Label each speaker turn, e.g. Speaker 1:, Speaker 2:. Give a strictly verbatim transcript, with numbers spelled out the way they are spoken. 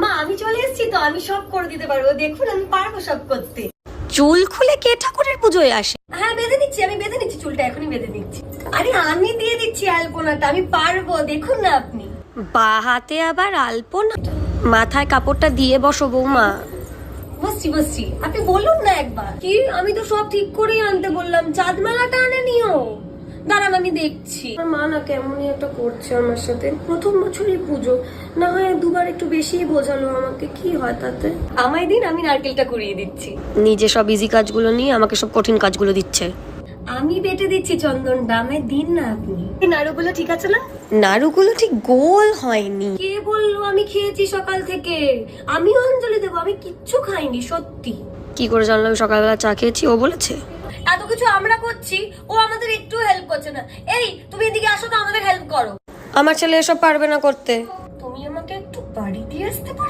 Speaker 1: মা আমি চলে এসেছি তো, আমি সব করে দিতে পারবো, দেখুন আমি পারবো সব করতে।
Speaker 2: চুল খুলে কে ঠাকুরের পুজোয় আসে?
Speaker 1: হ্যাঁ বেঁধে নিচ্ছি, আমি বেঁধে নিচ্ছি চুলটা, এখনই বেঁধে নিচ্ছি। আরে আমি দিয়ে দিচ্ছি আলপনাটা, আমি পারবো, দেখুন না আপনি।
Speaker 2: বা হাতে আবার আলপনা? মাথায় কাপড়টা দিয়ে বসো বৌমা।
Speaker 1: বসছি বসছি, আপনি বলুন না একবার। কি আমি তো সব ঠিক করেই আনতে বললাম, চাঁদমালাটা আনে নিও। দাঁড়ান আমি দেখছি। আমার মা না কেমনই একটা করছে আমার সাথে, প্রথম বছরই পুজো, না হয় দুবার একটু বেশিই বোঝালো আমাকে, কি হয় তাতে। আমায় দিন, আমি নারকেলটা কুড়িয়ে দিচ্ছি।
Speaker 2: নিজে সব ইজি কাজগুলো নিয়ে আমাকে সব কঠিন কাজগুলো দিচ্ছে।
Speaker 1: আমি বেটে দিচ্ছি চন্দনটা, আমায় দিন না আপনি। এই নাড়ুগুলো ঠিক আছে না?
Speaker 2: নাড়ুগুলো ঠিক গোল হয়নি।
Speaker 1: কে বললো? আমি খেয়েছি সকাল থেকে, আমিও অঞ্জলি দেবো, আমি কিচ্ছু খাইনি সত্যি।
Speaker 2: কি করে জানলাম সকালবেলা চা খেয়েছি? ও বলেছে।
Speaker 1: এত কিছু আমরা করছি, ও আমাদের একটু হেল্প করছে না। এই তুমি এদিকে আসো তো, আমাদের হেল্প করো।
Speaker 2: আমার ছেলে এসব পারবে না করতে।
Speaker 1: তুমি আমাকে একটু বাড়ি দিয়ে আসতে পারো?